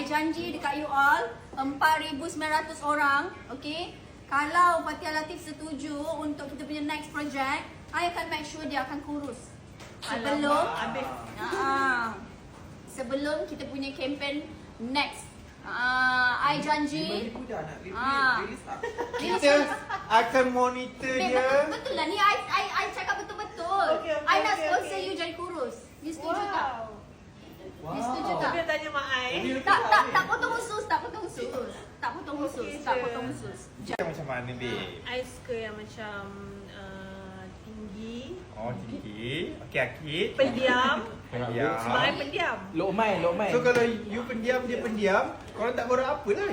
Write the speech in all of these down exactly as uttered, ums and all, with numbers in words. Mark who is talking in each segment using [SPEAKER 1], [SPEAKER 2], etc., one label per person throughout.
[SPEAKER 1] janji dekat you all empat ribu sembilan ratus orang, okay? Kalau Fathia Latif setuju untuk kita punya next project, I akan make sure dia akan kurus. Sebelum uh, sebelum kita punya campaign next. Uh, I janji uh,
[SPEAKER 2] kita akan monitor
[SPEAKER 1] Babe,
[SPEAKER 2] dia.
[SPEAKER 1] betul, betul lah ni I, I, I cakap betul-betul.
[SPEAKER 3] Okay, okay,
[SPEAKER 1] I nak
[SPEAKER 3] okay,
[SPEAKER 1] sponsor
[SPEAKER 3] okay.
[SPEAKER 1] you jadi kurus. You setuju
[SPEAKER 3] Wow.
[SPEAKER 1] tak?
[SPEAKER 2] Wow.
[SPEAKER 1] You setuju tak?
[SPEAKER 3] Dia tanya Mak Ai.
[SPEAKER 1] Tak, tak, tak potong khusus, tak potong khusus. Tak potong khusus,
[SPEAKER 3] Okay
[SPEAKER 1] tak
[SPEAKER 3] je.
[SPEAKER 1] potong khusus.
[SPEAKER 2] Dia macam mana, babe?
[SPEAKER 3] I suka yang macam uh, tinggi,
[SPEAKER 2] Oh, tinggi. Okey, Akid.
[SPEAKER 3] pendiam.
[SPEAKER 2] Pendiam.
[SPEAKER 3] Sebab I pendiam.
[SPEAKER 4] Lokman, Lokman.
[SPEAKER 2] So kalau you pendiam, dia pendiam, korang tak borak apa lah.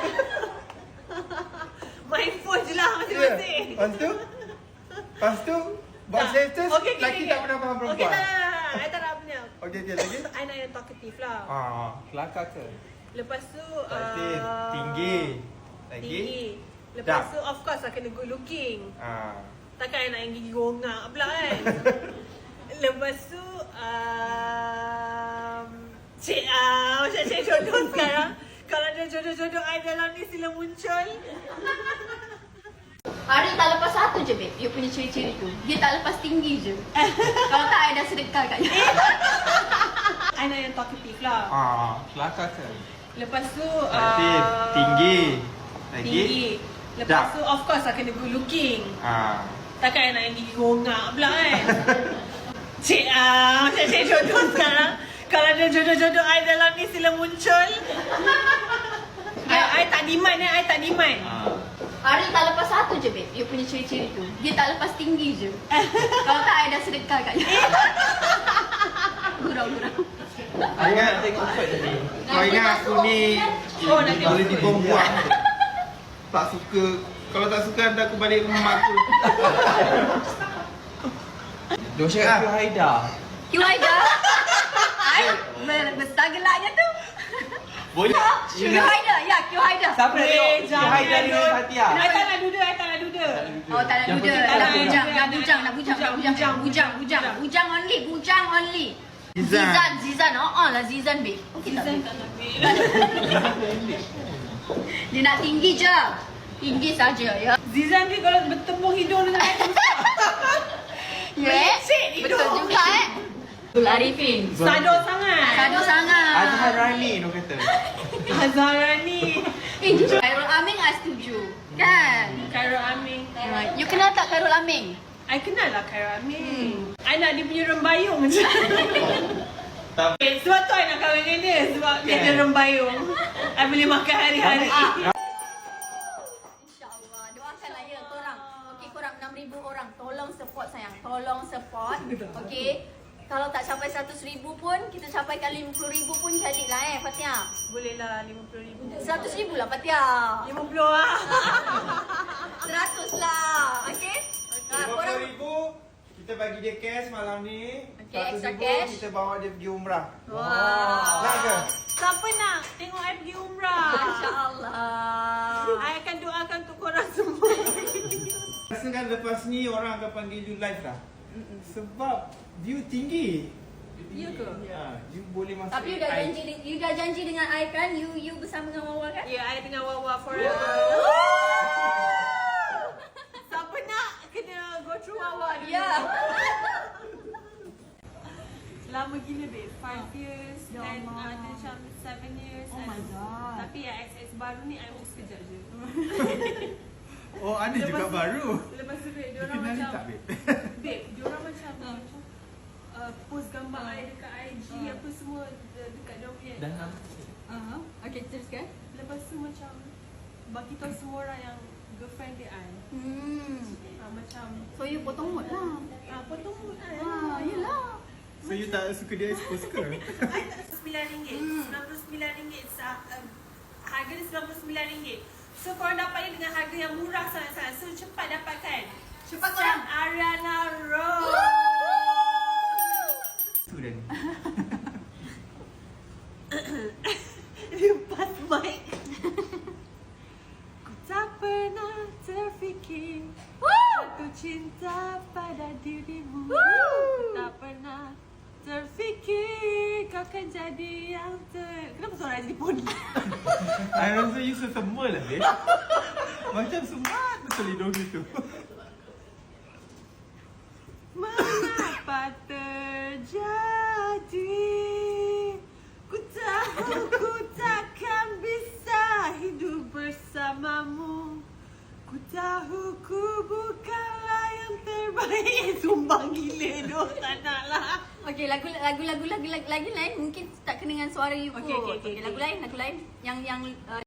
[SPEAKER 3] Main phone je lah
[SPEAKER 2] Ya.
[SPEAKER 3] masing-masing.
[SPEAKER 2] Lepas tu, lepas tu, buat
[SPEAKER 3] Tak.
[SPEAKER 2] status,
[SPEAKER 3] Okey, okey,
[SPEAKER 2] lelaki
[SPEAKER 3] okey.
[SPEAKER 2] tak pernah faham perempuan.
[SPEAKER 3] Okey, tak, tak, tak. I tak nak punya.
[SPEAKER 2] Okey, okey, lagi?
[SPEAKER 3] I nak yang talkative lah.
[SPEAKER 2] Ah,
[SPEAKER 4] Kelakar ke?
[SPEAKER 3] Lepas tu
[SPEAKER 2] Talkative,
[SPEAKER 3] uh,
[SPEAKER 2] tinggi. Lagi?
[SPEAKER 3] Tinggi. Lepas
[SPEAKER 2] Dah.
[SPEAKER 3] tu of course lah kena good looking.
[SPEAKER 2] Ah.
[SPEAKER 3] Takkan I nak yang gigi gongak pula kan. Lepas tu um, Cik ah, macam cik jodoh sekarang. Kalau ada jodoh-jodoh I dalam ni sila muncul.
[SPEAKER 1] Hari tak lepas satu je, babe. You punya ciri-ciri tu. Dia tak lepas tinggi je. Kalau tak, I dah sedekah kat you.
[SPEAKER 3] I nak yang talkative lah.
[SPEAKER 2] Ah.
[SPEAKER 4] Kelakar ke?
[SPEAKER 3] Lepas tu
[SPEAKER 2] Talkative,
[SPEAKER 3] uh,
[SPEAKER 2] tinggi. Lagi?
[SPEAKER 3] Tinggi. Lepas
[SPEAKER 2] Dah.
[SPEAKER 3] tu of course lah kena good looking.
[SPEAKER 2] Ah.
[SPEAKER 3] Takkan I nak yang gigi gongak pula kan. Cik ah, macam cik jodoh sekarang. Kalau ada jodoh-jodoh I dalam ni sila muncul. I, I tak demand eh, I tak demand.
[SPEAKER 2] Ah.
[SPEAKER 1] Hari tak lepas satu je, babe. You punya ciri-ciri tu. Dia tak lepas tinggi je. Kalau tak, I dah sedekah kat you. Gurau-gurau.
[SPEAKER 2] Kau ingat
[SPEAKER 4] tengok fight tadi.
[SPEAKER 2] Kau ingat aku ni
[SPEAKER 3] Oh, nak tengok
[SPEAKER 2] boleh
[SPEAKER 3] fight.
[SPEAKER 2] dibuang-buang. Tak suka. Kalau tak suka, hantar aku balik rumah mak aku.
[SPEAKER 4] Dia cakap Q Haida.
[SPEAKER 1] Q Haida. I ber- besar gelaknya tu.
[SPEAKER 2] Boleh.
[SPEAKER 1] Q Haida. Ya, Q Haida.
[SPEAKER 4] Siapa nak tengok Q Haida dengan Fathia?
[SPEAKER 3] I tak nak duda, I tak nak duda.
[SPEAKER 1] Oh, tak nak
[SPEAKER 4] Yang
[SPEAKER 1] duda.
[SPEAKER 4] penting tak
[SPEAKER 1] Nak
[SPEAKER 4] nak
[SPEAKER 1] bujang,
[SPEAKER 3] duda.
[SPEAKER 1] nak bujang, nak bujang, nak bujang,
[SPEAKER 3] Bujang,
[SPEAKER 1] bujang, bujang, bujang. Bujang only, bujang only.
[SPEAKER 2] Zizan.
[SPEAKER 1] Zizan, Zizan. Oh, oh lah Zizan, babe. Okey tak,
[SPEAKER 3] Zizan
[SPEAKER 1] babe?
[SPEAKER 3] tak nak babe.
[SPEAKER 1] Dia nak tinggi je. Tinggi saja, ya.
[SPEAKER 3] Zizan ni kalau bertembung hidung dengan I susah.
[SPEAKER 1] Ya,
[SPEAKER 3] Melecet hidung.
[SPEAKER 1] betul juga eh. Abdul Arifin.
[SPEAKER 3] Sado sangat.
[SPEAKER 1] Sado sangat.
[SPEAKER 4] Azhar Rani dia kata.
[SPEAKER 3] Azhara ni.
[SPEAKER 1] Eh, jujur. Khairul Aming, I setuju. Kan?
[SPEAKER 3] Khairul Amin.
[SPEAKER 1] Right. You kenal tak Khairul Aming?
[SPEAKER 3] I kenal lah Khairul Amin. I nak dia punya rembayung je.
[SPEAKER 2] Tapi
[SPEAKER 3] Eh, sebab tu I nak kahwin dengan dia. Sebab dia ada rembayung. I boleh makan hari-hari.
[SPEAKER 1] InsyaAllah. Doakanlah ya korang. Okey, korang enam ribu orang. Tolong support sayang. Tolong support. Okey. Kalau tak capai seratus ribu pun, kita capaikan lima puluh ribu pun jadilah eh, Fathia.
[SPEAKER 3] Boleh lah lima puluh ribu.
[SPEAKER 1] seratus ribu lah, Fathia.
[SPEAKER 3] lima puluh lah.
[SPEAKER 1] seratus lah. Okey? Ah,
[SPEAKER 2] lima
[SPEAKER 1] korang
[SPEAKER 2] puluh ribu kita bagi dia cash malam ni.
[SPEAKER 1] Okey,
[SPEAKER 2] seratus
[SPEAKER 1] extra
[SPEAKER 2] ribu
[SPEAKER 1] cash.
[SPEAKER 2] kita bawa dia pergi umrah.
[SPEAKER 1] Wah.
[SPEAKER 2] Nak ke?
[SPEAKER 3] Siapa nak tengok I pergi umrah?
[SPEAKER 1] InsyaAllah.
[SPEAKER 3] I akan doakan untuk korang semua.
[SPEAKER 2] Rasa kan lepas ni orang akan panggil you live lah. Sebab view tinggi.
[SPEAKER 3] Ya ke?
[SPEAKER 2] Ha, you boleh masuk.
[SPEAKER 1] Tapi you dah janji you dah janji dengan I kan, you you bersama dengan Wawa kan?
[SPEAKER 3] Ya, I dengan Wawa forever. Siapa nak kena go through Wawa dulu.
[SPEAKER 1] Ya.
[SPEAKER 3] Lama gila babe, five years
[SPEAKER 1] Ya
[SPEAKER 3] dan
[SPEAKER 1] Allah.
[SPEAKER 3] ada macam seven years.
[SPEAKER 1] Oh my God.
[SPEAKER 3] Tapi yang X X baru ni I work sekejap je.
[SPEAKER 2] Oh, ada juga
[SPEAKER 3] tu-
[SPEAKER 2] baru.
[SPEAKER 3] Lepas tu babe,
[SPEAKER 2] You
[SPEAKER 3] diorang
[SPEAKER 2] kenali
[SPEAKER 3] macam
[SPEAKER 2] tak, babe?
[SPEAKER 3] babe, diorang macam macam uh, post gambar I dekat I G apa semua uh, dekat diorang punya.
[SPEAKER 4] Dan nama
[SPEAKER 1] Uh-huh. Okey, teruskan.
[SPEAKER 3] Lepas tu macam bagi tahu semua orang yang girlfriend dia I.
[SPEAKER 1] Hmm.
[SPEAKER 3] Uh, macam
[SPEAKER 1] So you potong mood lah.
[SPEAKER 3] ah potong mood I.
[SPEAKER 1] Ah, yelah.
[SPEAKER 2] So you tak suka dia expose ke?
[SPEAKER 3] I tak sembilan ringgit. sembilan puluh sembilan ringgit. Sa- uh, harga dia sembilan puluh sembilan ringgit. So korang dapatnya dengan harga yang murah sangat-sangat. So cepat dapatkan.
[SPEAKER 1] Cepat korang.
[SPEAKER 3] Ariana Rose.
[SPEAKER 2] Tu dah ni.
[SPEAKER 3] Dia pas mic. Ku tak pernah terfikir jatuh cinta pada dirimu. Ku tak pernah terfikir kau akan jadi yang ter... Kenapa suara jadi pun.
[SPEAKER 2] I rasa you sesama lah, babe. Macam semat betul hidung gitu.
[SPEAKER 3] Mengapa terjadi? Ku tahu ku takkan bisa hidup bersamamu. Ku tahu ku bukanlah yang terbaik. Sumbang gila doh, tak nak lah.
[SPEAKER 1] Okay, lagu lagu lagu lagu lagu lain mungkin tak kena dengan suara you
[SPEAKER 3] Okay,
[SPEAKER 1] kot.
[SPEAKER 3] okay, okay,
[SPEAKER 1] Okay, lagu
[SPEAKER 3] okay.
[SPEAKER 1] lain, lagu lain yang yang uh,